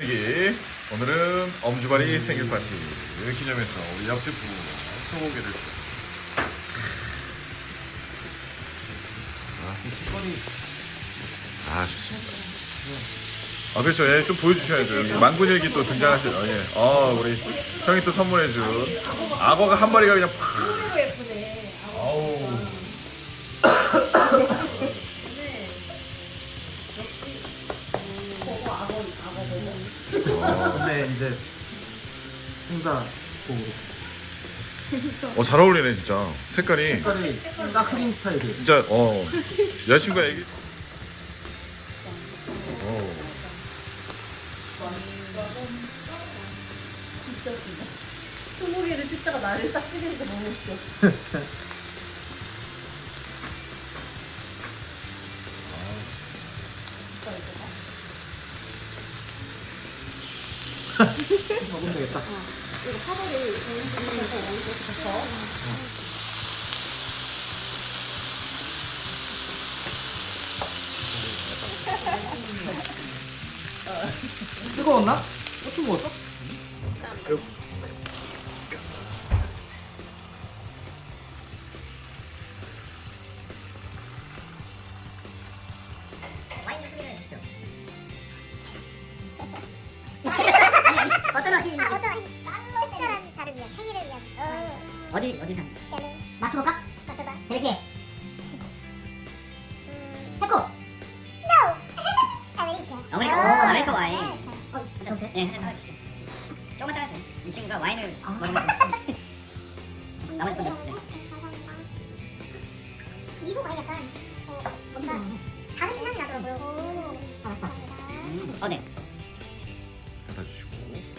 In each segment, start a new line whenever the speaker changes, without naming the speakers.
만들기. 오늘은 엄주발이 생일 파티 기념해서 우리 옆집 부부 소고기를 좋습니다. 아 그렇죠. 예, 좀 보여주셔야죠. 여기 망군일기 또 등장하시죠. 예. 우리 형이 또 선물해준 악어가 한 마리가 그냥 팍.
너무 예쁘네.
아우.
근데 이제 행사 곡으로
잘 어울리네 진짜. 색깔이
색깔이 딱 흑인 스타일이에요.
진짜 여자친구가 애기.
소고기를 뜯다가 나를 딱 찍으니까 너무 웃겨.
먹으면 되겠다.
이거 파버를 정리해서 오른쪽
뜨거웠나? 고추 먹었어?
와인 소개를 해주시죠. 어떤 와인인지.
특별한 자를 위한 생일을 위한
어디서?
때는
맞춰볼까?
맞춰봐.
벨기에. 체코.
No. 아메리카.
아메리카 와인.
네.
예, 해주시죠. 조금만 따라주세요. 이 친구가 와인을 먹으면 나머지 분들. 네.
감사합니다. 미국 와인 약간 뭔가 다른 향이 나더라고요.
맛있다.
감사합니다.
네.
갖다 주시고.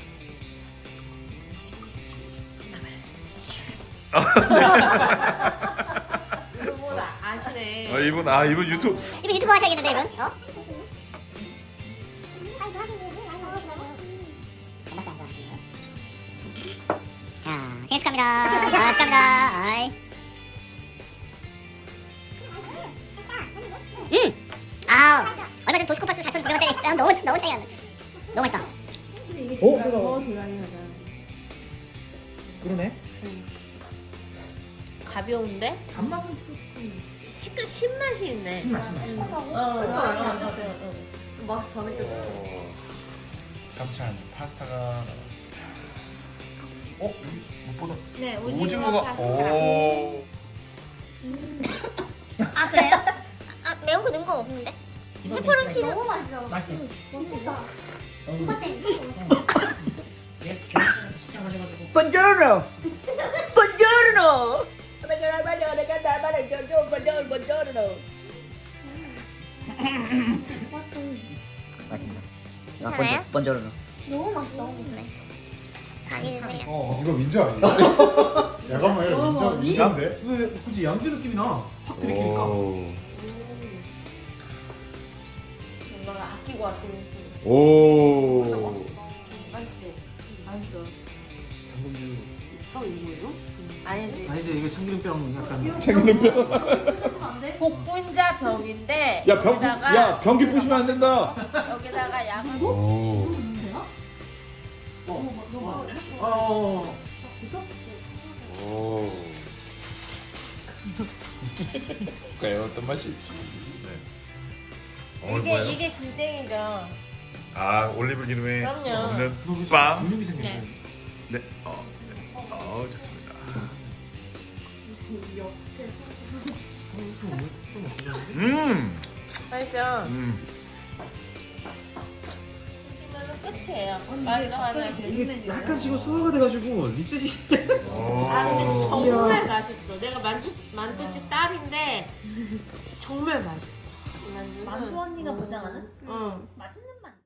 그거보다 아시네.
이분 유튜브.
이분 유튜브 하셔야겠는데 이분?
와인 좋아하시는 분이 와인 먹으시라고?
자, 생일 축하합니다. 축하합니다. 아이. 얼마 전에 도시코파스 4,900원짜리 너무 차이가 안 나. 너무 맛있다.
그럼. 그러네.
가벼운데?
단맛은
신맛이 있네.
신맛.
맛이 더 느껴져.
3차 안주 파스타가 나왔습니다. 여기 무엇보다
네,
오징어가
파스타.
아 그래요? 매운 거 넣은 거 없는데? 페퍼론치는
너무 맛있어.
맛있어.
Buongiorno! Buongiorno! Buongiorno!
맛있습니다.
괜찮아요?
번저로는.
너무 맛있어.
네. 많이 드세요.
이거 민자 아니야? 잠깐만요. 민자인데?
왜 굳이 양주 느낌이 나? 확 들이키니까.
뭔가 아끼고 쓰.
오.
맛있지? 맛있어.
당근주.
이거예요? 아니지.
아니지 이게 참기름병 약간.
복분자 병인데
변기 부시면 안 된다.
여기다가 양을
오. 오. 과연 어떤 맛이 있지? 네.
이게 굴땡이죠.
올리브 기름에
그럼요.
먹는 빵.
근육이 생겼네.
네.
네. 좋습니다.
맛있죠? 드시면은 끝이에요. 마지막 하나씩.
이게 약간 지금 소화가 돼가지고 리셋이.
근데 정말 맛있어. 내가 만두집 딸인데 정말 맛있어.
만두 언니가 보장하는
응.
맛있는 만두.